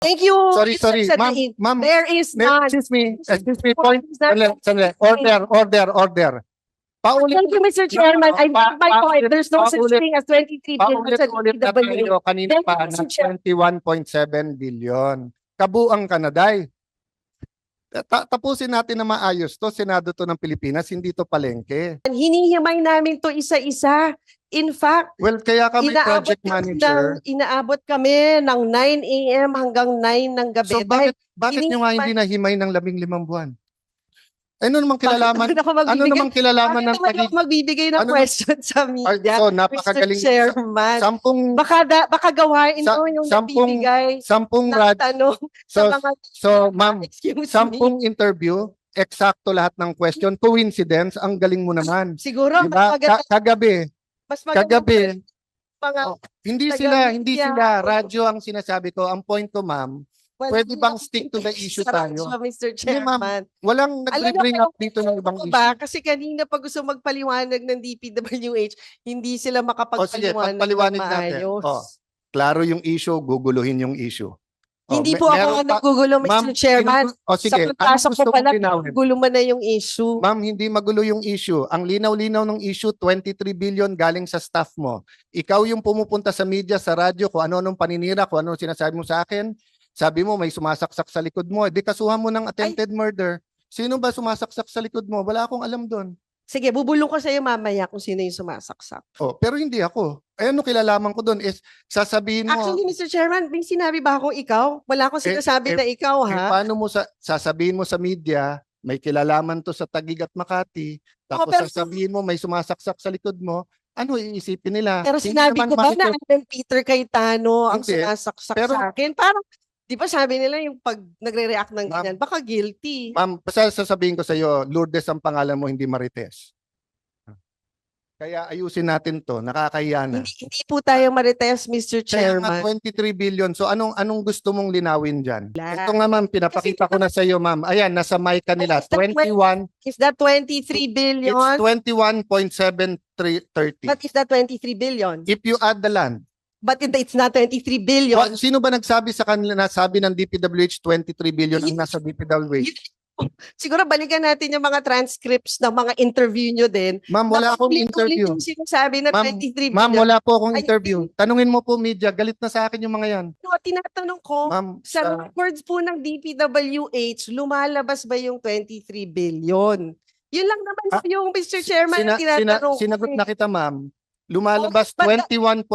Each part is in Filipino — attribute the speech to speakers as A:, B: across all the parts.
A: Thank you.
B: Sorry,
A: Mr.
B: ma'am,
A: Sadain.
B: ma'am,
A: There is none.
B: excuse me, point.
A: Is that-
B: Sandali. Order. Paulit.
A: Thank you, Mr. Chairman. I made my point. There's no such
B: paulit-
A: thing as 23 billion sa
B: Paulit-ulit na
A: DPWH.
B: tayo kanina
A: Thank you,
B: pa
A: Mr.
B: na
A: Chair.
B: 21.7 billion. Kabuang Kanaday. Tapusin natin na maayos to. Senado to ng Pilipinas, hindi to palengke.
A: Hinihimay namin to isa-isa. In fact,
B: Well, kaya kami project manager.
A: inaabot kami ng 9 a.m. hanggang 9 ng gabi.
B: So bakit nyo nga hindi nahimay ng 15 buwan? Ano namang kilalaman? Ano namang kilalaman ng
A: Bakit ako magbibigay ng
B: Ano-
A: question sa media?
B: So napakagaling.
A: Mr. Chairman.
B: Sampung
A: Baka gawain
B: Sa-
A: mo yung
B: sampung-
A: nagbibigay
B: sampung
A: ng
B: rad.
A: tanong
B: So
A: sa mga...
B: ma'am,
A: Excuse me.
B: sampung interview, eksakto lahat ng question. Coincidence, ang galing mo naman.
A: Siguro,
B: Diba?
A: mas maganda.
B: Kagabi,
A: Mga,
B: hindi sila radyo ang sinasabi ko. Ang point ko, ma'am, pwede bang stick to the issue tayo?
A: Mr.
B: Hindi, ma'am.
A: Chairman.
B: Walang nag-bring up dito ng ibang
A: Ano
B: issue.
A: ba? Kasi kanina pag gusto magpaliwanag ng DPWH, hindi sila
B: Sige,
A: makapagpaliwanag ng
B: pagpaliwanag natin.
A: maayos.
B: Klaro yung issue, guguluhin yung issue.
A: Hindi po ako
B: meron
A: ang nagugulo,
B: Ma'am,
A: Mr. Chairman.
B: sige,
A: Sa pagpasok
B: gusto
A: ko pala,
B: mong linawin?
A: gulo man na yung issue.
B: Ma'am, hindi magulo yung issue. Ang linaw-linaw ng issue, 23 billion galing sa staff mo. Ikaw yung pumupunta sa media, sa radyo, kung ano-anong paninira, kung ano sinasabi mo sa akin. Sabi mo, may sumasaksak sa likod mo. Di kasuhan mo ng attempted murder. Sino ba sumasaksak sa likod mo? Wala akong alam doon.
A: Sige, bubulong ko sa iyo mamaya kung sino yung sumasaksak.
B: Pero hindi ako. Ano kilalaman ko doon is sasabihin mo.
A: Actually, Mr. Chairman, may sinabi ba akong ikaw? Wala akong sinasabi na ikaw, ha?
B: Paano mo sasabihin mo sa media, may kilalaman to sa Taguig at Makati, tapos
A: pero-
B: sasabihin mo may sumasaksak sa likod mo, ano iisipin nila?
A: Pero
B: Hindi
A: sinabi
B: naman
A: ko ba na
B: makikita-
A: Alan Peter Cayetano ang
B: Hindi.
A: sumasaksak
B: Pero-
A: sa akin? Parang, di ba sabi nila yung pag nagre-react ng
B: Ma'am,
A: ganyan, baka guilty.
B: Ma'am, basta sasabihin ko sa iyo, Lourdes ang pangalan mo, hindi Marites. Kaya ayusin natin to, nakakahiya na.
A: Hindi po tayo marites, Mr.
B: Kaya nga
A: Chairman.
B: 23 billion. So anong gusto mong linawin diyan?
A: Wala.
B: Ito nga ma'am, pinapakita ko na sa iyo ma'am. Ayan, nasa mic kanila.
A: Is that
B: 21,
A: Is that 23 billion?
B: it's 21.7330.
A: But is that 23 billion?
B: If you add the land,
A: But it's not 23 billion.
B: sino ba nagsabi sa kanila na sabi ng DPWH 23 billion ang nasa DPWH?
A: Siguro balikan natin yung mga transcripts ng mga interview nyo din.
B: Ma'am, wala akong
A: Paulit-ulit
B: interview.
A: yung sinasabi na
B: Ma'am,
A: 23 billion.
B: Ma'am, wala po akong
A: Ay,
B: interview. Tanungin mo po media, galit na sa akin yung mga yan.
A: No, tinatanong ko,
B: Ma'am,
A: sa records po ng DPWH, lumalabas ba yung 23 billion? Yun lang naman po yung Mr. Chairman na tinatanong.
B: sinagot na kita ma'am. Lumalabas
A: Oh, but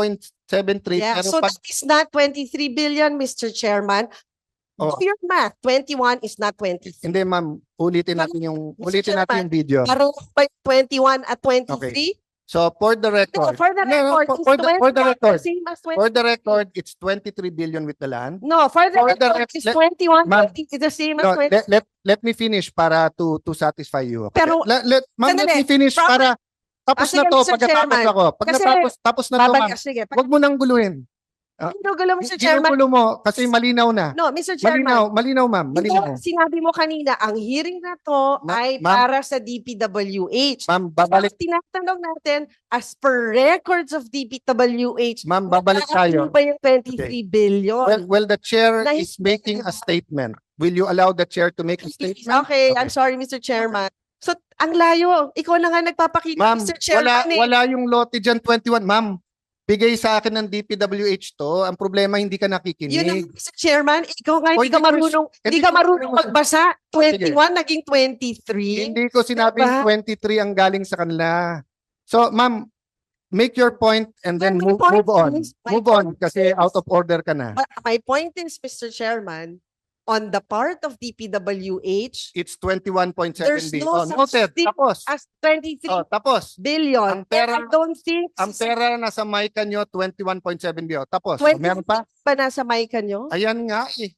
B: 21.73
A: Yeah,
B: pero
A: so
B: pag
A: that is not 23 billion, Mr. Chairman.
B: Oh.
A: Do your math. 21 is not 23.
B: hindi ma'am, ulitin natin yung video.
A: Parang by 21 at 23?
B: So for the
A: No,
B: record,
A: for the
B: No,
A: record,
B: for the record,
A: same as 20.
B: for the record, it's 23 billion with the land.
A: No, for the
B: for the
A: record,
B: rec-
A: it's
B: let-
A: 21.
B: Ma'am,
A: It's the same as
B: No,
A: 20.
B: let me finish para to satisfy you. Okay?
A: Pero-
B: Ma'am, let
A: Sandali.
B: me finish para tapos
A: Sige,
B: na to
A: Mr.
B: pagkatapos
A: Chairman.
B: ako. Pag
A: Kasi-
B: tapos na to ma'am.
A: Babalik, sige.
B: Huwag mo nang guluhin.
A: Ginugulo, Mr. Chairman.
B: Ginugulo mo kasi malinaw na.
A: No, Mr. Chairman.
B: Malinaw ma'am, malinaw.
A: Ito, sinabi mo kanina, ang hearing na to ay
B: Ma'am.
A: para sa DPWH.
B: Ma'am, babalik
A: Tinatanong natin, as per records of DPWH,
B: Ma'am, babalik tayo.
A: ano ba yung 23 billion?
B: Well, the chair
A: Nais-
B: is making a statement. Will you allow the chair to make a statement?
A: Okay, I'm sorry, Mr. Chairman. So, ang layo. Ikaw na nga nagpapakita,
B: Ma'am,
A: Mr. Chairman.
B: wala yung lote dyan 21. Ma'am, bigay sa akin ng DPWH to. Ang problema, hindi ka
A: Yun ang
B: nakikinig.
A: Mr. Chairman, ikaw nga
B: O,
A: hindi ka
B: hindi ko-
A: marunong,
B: hindi
A: hindi ka
B: ko-
A: marunong magbasa. 21 naging 23.
B: Hindi ko sinabing
A: Diba?
B: 23 ang galing sa kanila. So, ma'am, make your point and then
A: My
B: move
A: point
B: on.
A: is- my
B: Move on
A: point
B: kasi
A: is-
B: out of order ka na.
A: But my point is, Mr. Chairman, on the part of DPWH,
B: It's 21.7
A: there's
B: billion.
A: no such
B: Noted.
A: thing
B: Tapos.
A: as 23
B: Tapos.
A: billion.
B: Ang pera-
A: And I don't think
B: Ang pera na sa mic nyo, 21.7 billion. Tapos,
A: 20
B: meron pa?
A: pa nasa mic nyo?
B: Ayan nga eh.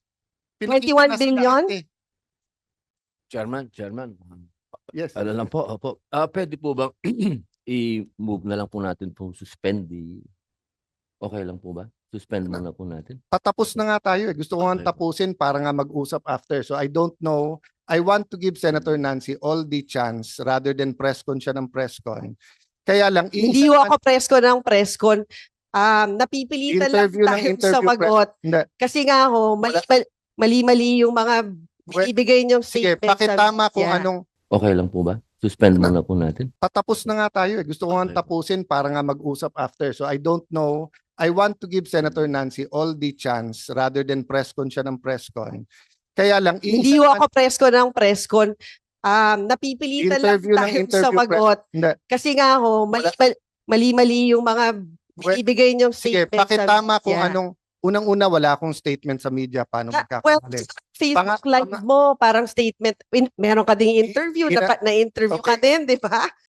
A: 21
B: Pinakita na sa
A: billion?
B: lahat eh.
C: Chairman,
B: Yes.
C: ano lang po, opo. Pwede po bang i-move na lang po natin po, suspend okay lang po ba? Suspend muna po natin.
B: Patapos na nga tayo eh. Gusto ko nga
C: Okay.
B: tapusin para nga mag-usap after. So I don't know. I want to give Senator Nancy all the chance rather than press con siya ng press con. Kaya lang,
A: Hindi ho ako press con ng press con. napipilitan lang
B: Interview ng
A: tayo
B: interview
A: sumagot.
B: Hindi.
A: Kasi nga ho, mali-mali yung mga ibigay niyong
B: Sige,
A: statement sa
B: pakitama kung
A: media.
B: anong
C: Okay lang po ba? Suspend muna po natin.
B: patapos na nga tayo. Gusto ko nga
C: Okay.
B: tapusin para nga mag-usap after. So I don't know. I want to give Senator Nancy all the chance rather than press con siya ng press con. Kaya lang,
A: Hindi ho ako press con. Napipilitan lang
B: Interview ng
A: tayo
B: interview
A: sumagot.
B: Hindi.
A: Kasi nga ho, mali-mali yung mga ibigay niyong
B: Sige,
A: statement sa
B: pakitama kung
A: media.
B: anong unang-una wala akong statement sa media paano
A: Well,
B: magkakamali.
A: Facebook live mo, parang statement. Meron ka ding interview,
B: Ina-
A: dapat na-interview ka
B: Okay.
A: din, di ba?